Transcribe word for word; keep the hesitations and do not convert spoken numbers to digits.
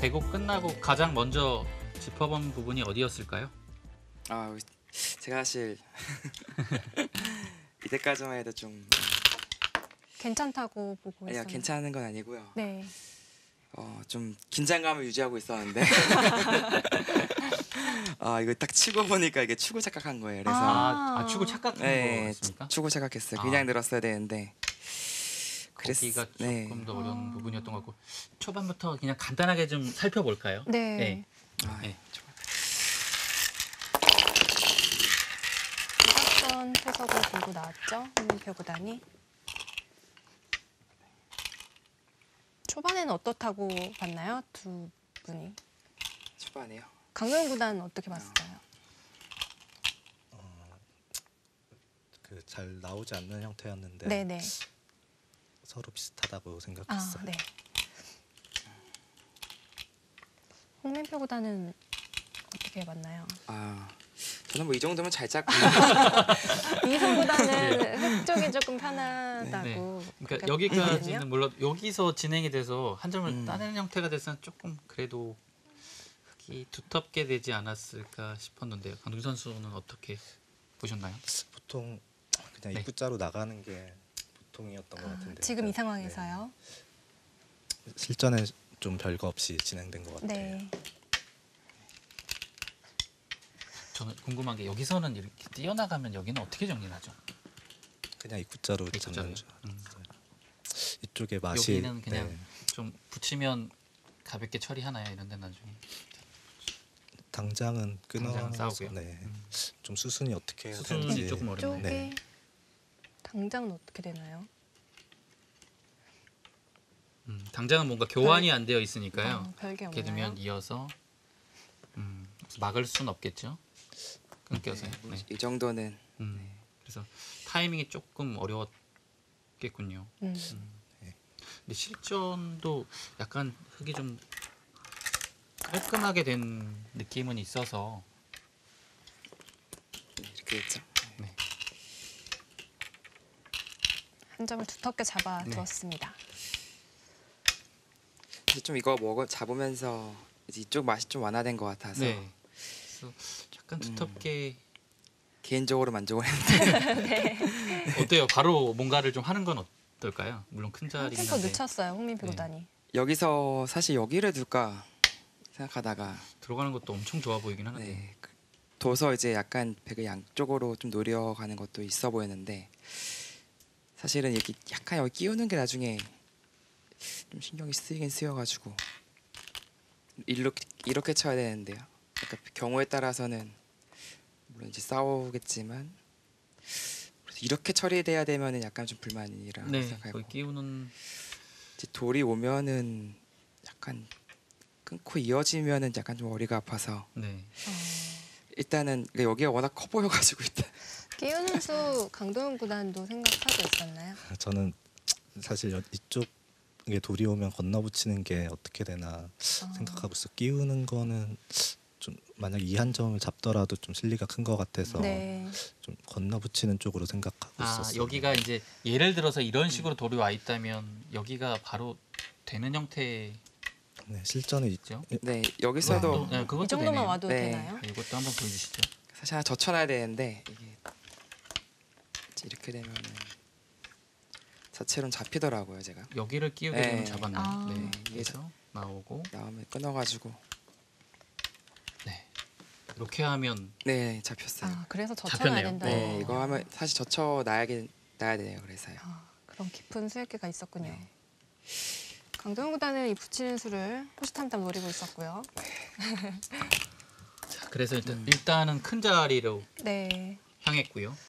배구 끝나고 가장 먼저 짚어본 부분이 어디였을까요? 아, 제가 사실 이때까지만 해도 좀 괜찮다고 보고 아니요, 있었나요? 괜찮은 건 아니고요. 네. 어, 좀 긴장감을 유지하고 있었는데 아, 이거 딱 치고 보니까 이게 추구 착각한 거예요. 그래서 아, 아 추구 착각한 네, 거였습니까? 추구 착각했어요. 아. 그냥 늘었어야 되는데 거기가 그랬- 네. 조금 더 어려운 아. 부분이었던 것 같고 초반부터 그냥 간단하게 좀 살펴볼까요? 네. 네. 아, 네. 좋아요. 대각선 태석을 들고 나왔죠. 홍민표 구단이. 초반에는 어떻다고 봤나요? 두 분이. 초반에요. 강도현 구단은 어떻게 봤을까요? 그 잘 나오지 않는 형태였는데 네네. 서로 비슷하다고 아, 생각했어요. 네. 홍민표 구단은 어떻게 봤나요? 아, 저는 뭐 이 정도면 잘 짰고 이성 구단은 흙 쪽이 조금 편하다고. 네. 그러니까 그렇게 여기까지는 봤거든요. 물론 여기서 진행이 돼서 한 점을 음. 따내는 형태가 됐으면 조금 그래도 흙이 두텁게 되지 않았을까 싶었는데요. 강동 선수는 어떻게 보셨나요? 보통 그냥 네. 입구자로 나가는 게 보통이었던 것 아, 같은데 지금 이 네. 상황에서요. 네. 실전에 좀 별거 없이 진행된 것 같아요. 네. 저는 궁금한 게 여기서는 이렇게 뛰어나가면 여기는 어떻게 정리하죠? 그냥 입구자로 입구자로요? 잡는 줄 음. 알았어요. 이쪽에 맛이 여기는 그냥 네. 좀 붙이면 가볍게 처리하나요? 이런데 나중에 당장은 끊어서 당장은 싸우고요. 네. 음. 좀 수순이 어떻게 해야 수순이 되는지 조금 어렵네요. 쪽에 네. 당장은 어떻게 되나요? 음, 당장은 뭔가 교환이 안 되어 있으니까요. 어, 별게 이렇게 없나요? 되면 이어서 음, 막을 수는 없겠죠. 끊겨서요. 네, 네. 이 정도는 음, 그래서 타이밍이 조금 어려웠겠군요. 음. 근데 실전도 약간 흙이 좀 깔끔하게 된 느낌은 있어서 이렇게 됐죠. 네. 한 점을 두텁게 잡아 네. 두었습니다. 이제 좀 이거 먹어 잡으면서 이제 이쪽 맛이 좀 완화된 것 같아서 네. 그래서 약간 두텁게 개인적으로 만족을 했는데 어때요? 바로 뭔가를 좀 하는 건 어떨까요? 물론 큰 한 자리긴 템포 한데 늦췄어요. 홍민표 네. 구단이. 여기서 사실 여기를 둘까 생각하다가 들어가는 것도 엄청 좋아 보이긴 하는데 네, 그- 둬서 이제 약간 배그 양쪽으로 좀 노려가는 것도 있어 보였는데 사실은 이렇게 약간 여기 끼우는 게 나중에 좀 신경이 쓰이긴 쓰여가지고 이렇게 이렇게 쳐야 되는데요. 약간 경우에 따라서는 물론 이제 싸우겠지만 그래서 이렇게 처리돼야 되면은 약간 좀 불만이라 네, 생각하고 거기 끼우는 이제 돌이 오면은 약간 끊고 이어지면은 약간 좀 어리가 아파서 네. 어, 일단은 그러니까 여기가 워낙 커 보여가지고 일단 끼우는 수 강도현 구단도 생각하고 있었나요? 저는 사실 여- 이쪽에 돌이 오면 건너붙이는 게 어떻게 되나 어, 생각하고 있어. 끼우는 거는 좀 만약 이 한 점을 잡더라도 좀 실리가 큰 것 같아서 네. 좀 건너붙이는 쪽으로 생각하고 아 있었어요. 여기가 이제 예를 들어서 이런 식으로 돌이 와 있다면 여기가 바로 되는 형태죠? 네, 실전에 이- 네 여기서도 네, 그것도 이 정도만 되네요. 와도 네. 되나요? 아, 이것도 한번 보여주시죠. 사실 하나 젖혀놔야 되는데 이게 이제 이렇게 되면은 자체로는 잡히더라고요 제가 여기를 끼우게 네. 되면 잡았네요. 아. 네. 이게 그래서 나오고 나오면 끊어가지고 네. 이렇게 하면 네 잡혔어요. 아, 그래서 젖혀놔야 잡혔네요. 된다. 네 이거 하면 사실 젖혀놔야겠 놔야 돼요. 그래서요. 아, 그런 깊은 수액기가 있었군요. 네. 강도현 구단은 이 붙이는 수를 호시탐탐 노리고 있었고요. 자, 그래서 일단 일단은 큰 자리로 네. 향했고요.